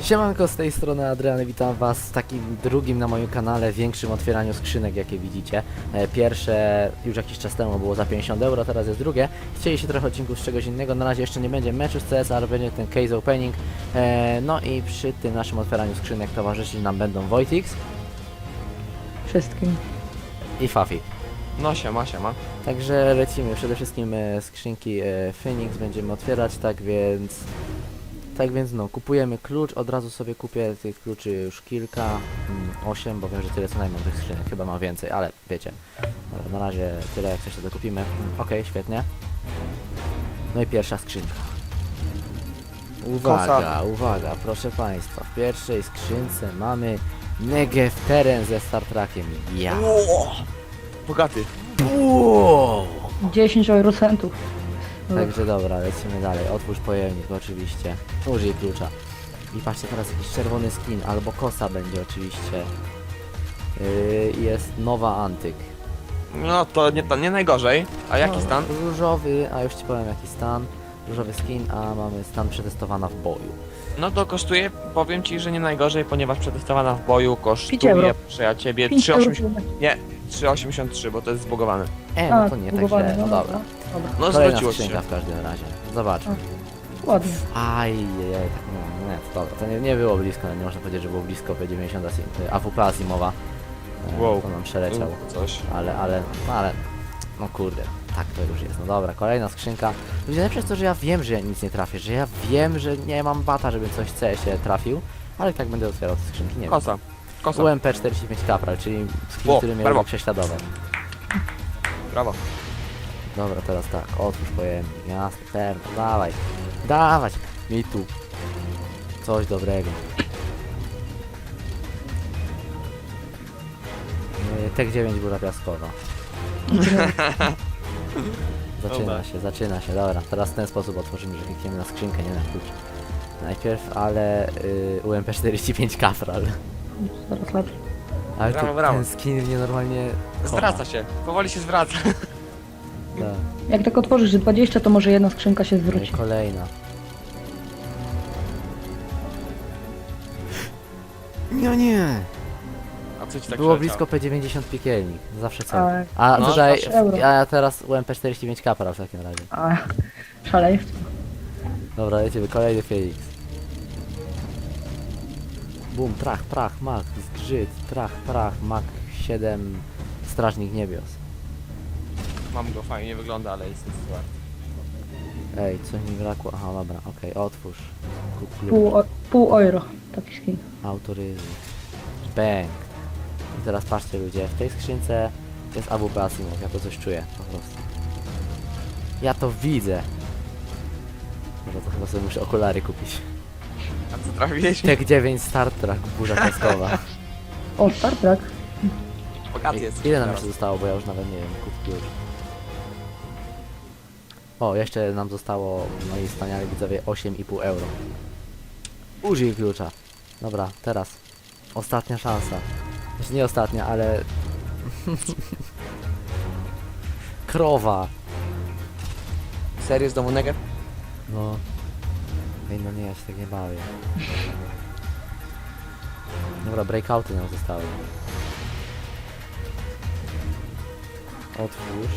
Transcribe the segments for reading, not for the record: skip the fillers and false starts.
Siemanko, z tej strony Adrian, witam was w takim drugim na moim kanale większym otwieraniu skrzynek, jakie widzicie. Pierwsze już jakiś czas temu było za 50 euro, teraz jest drugie. Chcieliście trochę odcinków z czegoś innego, na razie jeszcze nie będzie meczu z CS, ale będzie ten case opening. No i przy tym naszym otwieraniu skrzynek towarzyszyć nam będą Wojtix Wszystkim. i Fafi. No siema. Także lecimy, przede wszystkim skrzynki Phoenix będziemy otwierać, tak więc no, kupujemy klucz, od razu sobie kupię tych kluczy już kilka, 8, bo wiem, że tyle co najmniej tych skrzynek, chyba mam więcej, ale wiecie. Dobra, na razie tyle, jak coś to dokupimy. Okej, świetnie. No i pierwsza skrzynka. Uwaga, proszę państwa, w pierwszej skrzynce mamy Negev Teren ze Star Trekiem. Ja. Bogaty. Wow. 10 eurocentów. Także dobra, lecimy dalej. Otwórz pojemnik oczywiście. Użyj klucza. I patrzcie, teraz jakiś czerwony skin, albo kosa będzie oczywiście. Jest nowa antyk. No to nie najgorzej. A jaki No, stan? Różowy, a już ci powiem jaki stan. Różowy skin, a mamy stan przetestowana w boju. No to kosztuje, powiem ci, że nie najgorzej, ponieważ przetestowana w boju 5 kosztuje, euro. proszę ja ciebie, 5 3,80. euro. Nie, 3,83, bo to jest zbugowane. No to nie tak źle, no dobra. Dobra, No Kolejna zwróciło się. skrzynka w każdym razie. Zobaczmy. ładnie. Ajajaj, tak nie, to dobra, to nie było blisko, nie można powiedzieć, że było blisko P90 AWP Asimowa. Wow. To nam przeleciał. Coś. Ale, no kurde, tak to już jest. No dobra, kolejna skrzynka. Ludzie, najlepsze jest to, że ja wiem, że ja nic nie trafię, że ja wiem, że nie mam bata, żeby coś w CS-ie trafił, ale i tak będę otwierał te skrzynki, nie Kosa. Kosa. wiem. UMP45 Capral, czyli skin, O, który mnie brawo. lubi prześladować. Brawo. Dobra, teraz tak, otwórz pojemnik, jasne, pewno, dawać, mi tu coś dobrego. Tek 9 góra piaskowa. Zaczyna się, dobra. Teraz w ten sposób otworzymy, że klikniemy na skrzynkę, nie na klucz. Najpierw, ale UMP45 Capral. Zaraz lepiej. Ale Brawo, to, brawo. ten skin mnie normalnie kocha. Zwraca się. Powoli się zwraca. Tak. Jak tak otworzysz 20, to może jedna skrzynka się No i zwróci. kolejna. No nie! A co ci tak Było przeleciało? blisko P90 piekielnik, zawsze cel. Ale- A No, tutaj, zawsze euro. a teraz UMP45 Capral w takim razie. A, szaleństwo. Dobra, lecimy, kolejny Felix. Bum, trach, prach, mak, zgrzyt, trach, prach, mak 7, strażnik niebios. Mam go, fajnie wygląda, ale jest wart. Ej, coś mi brakło, aha, dobra, okej, otwórz. Kup klucz, Pół euro. Taki skin. autoryzuj. Bang. I teraz patrzcie ludzie, w tej skrzynce jest AWP Asimov, ja to coś czuję, po prostu. Ja to widzę. Dobra, to chyba sobie muszę okulary kupić. A co trafiłeś? Tek 9 Star Trek, burza kaskowa. O, Star Trek. Bogaty jest. Ile nam jeszcze zostało, bo ja już nawet nie wiem, kup klucz. O, jeszcze nam zostało, moi wspaniali widzowie, 8,5 euro. Użyj klucza. Dobra, teraz. Ostatnia szansa. Znaczy nie ostatnia, ale... Krowa. Serio z domu Negev? No. Ej, no nie, ja się tak nie bawię. Dobra, breakouty nam zostały. Otwórz.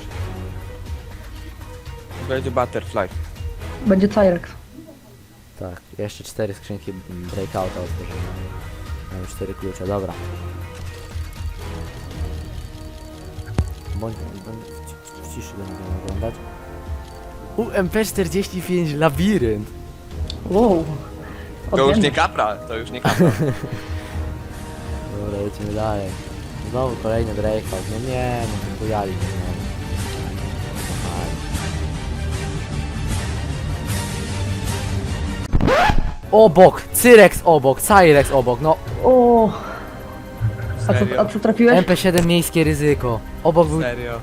Będzie Butterfly. Będzie Cyrex. Tak, jeszcze 4 skrzynki breakouta otworzymy. Mamy 4 klucze, dobra. Bądź w ciszy będziemy oglądać. UMP45 Labirynt. Wow. To już nie Odmiennie. kapra, to już nie kapra. Dobra, lecimy dalej. Znowu kolejny breakout. No nie, no bujali mnie znowu. Obok! Cyrex obok! Cyrex obok! No! O. Serio? A co trafiłeś? MP7 miejskie ryzyko. Obok był... Serio.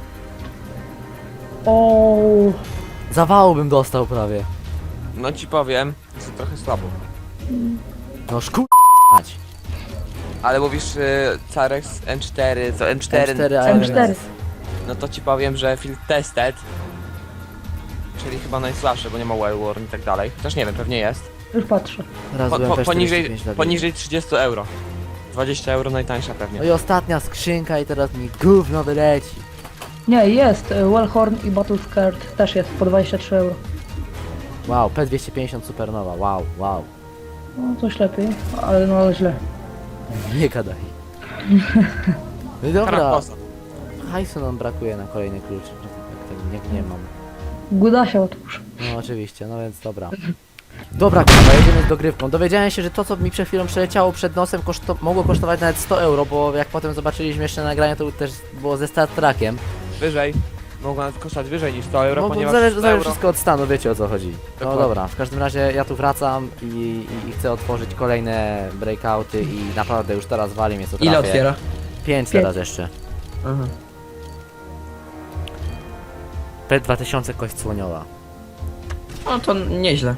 O. Zawału bym dostał prawie. No ci powiem, jest to trochę słabo. No szku... Ale mówisz Carex M4, co M4, M4. no to ci powiem, że Field Tested, czyli chyba najsłabsze, bo nie ma Well Worn i tak dalej. Chociaż nie wiem, pewnie jest. Już patrzę. Raz Po, byłem po, też 45 poniżej, dla mnie. poniżej 30 euro. 20 euro najtańsza pewnie. No i ostatnia skrzynka i teraz mi gówno wyleci. Nie, jest. Wellhorn i Battle Skirt też jest po 23 euro. Wow, P250 Supernowa, wow. No coś lepiej, ale no źle. Nie gadaj. No i dobra, Karakosa. hajsu nam brakuje na kolejny klucz. Tak nie mam. Gudasia otwórz. No oczywiście, no więc dobra. Dobra kurwa, jedziemy z dogrywką. Dowiedziałem się, że to co mi przed chwilą przeleciało przed nosem mogło kosztować nawet 100 euro, bo jak potem zobaczyliśmy jeszcze nagranie, to też było ze Star Trekiem. Wyżej. Mogą nawet kosztować wyżej niż 100 euro, No bo ponieważ zależy 100 euro... wszystko od stanu, wiecie o co chodzi. No Dokładnie. dobra, w każdym razie ja tu wracam i chcę otworzyć kolejne breakouty i naprawdę już teraz wali mnie co trafię. Ile otwiera? 5 teraz jeszcze. Aha. P2000 kość słoniowa. No to nieźle.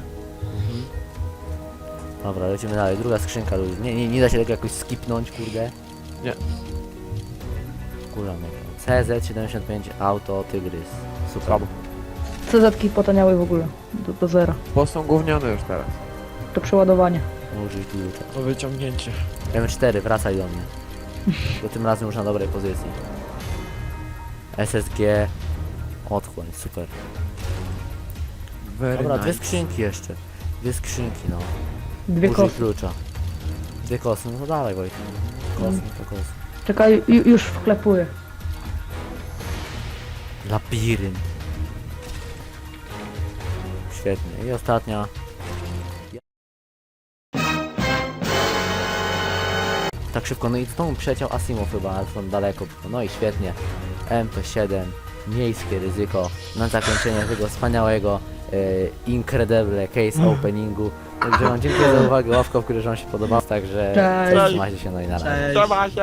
Dobra, lecimy dalej. Druga skrzynka, ludzi. Nie da się tego jakoś skipnąć, kurde. Nie. Kurwa, no. CZ75 Auto Tygrys. Super. Słabo. CZ-ki potaniały w ogóle. Do zera. Bo są gównione już teraz. To przeładowanie. Użyj klucza. To wyciągnięcie. M4, wracaj do mnie. Bo tym razem już na dobrej pozycji. SSG. Otchłań, super. Very Dobra, nice. dwie skrzynki jeszcze. Dwie skrzynki, no. Dwie Użyj kosy. klucza. Dwie kosy, no to dawaj Wojtek. Kosy, to kosy. Czekaj, już wklepuję. Labirynt. Świetnie. I ostatnia. Tak szybko, no i znowu przeciął Asimov chyba, ale są daleko. No i świetnie. MP7, miejskie ryzyko na zakończenie tego wspaniałego incredible case openingu. Także wam dziękuję za uwagę, ławka, w której wam się podobał, także Cześć. trzymajcie się, no i na razie. Cześć. Trzeba się!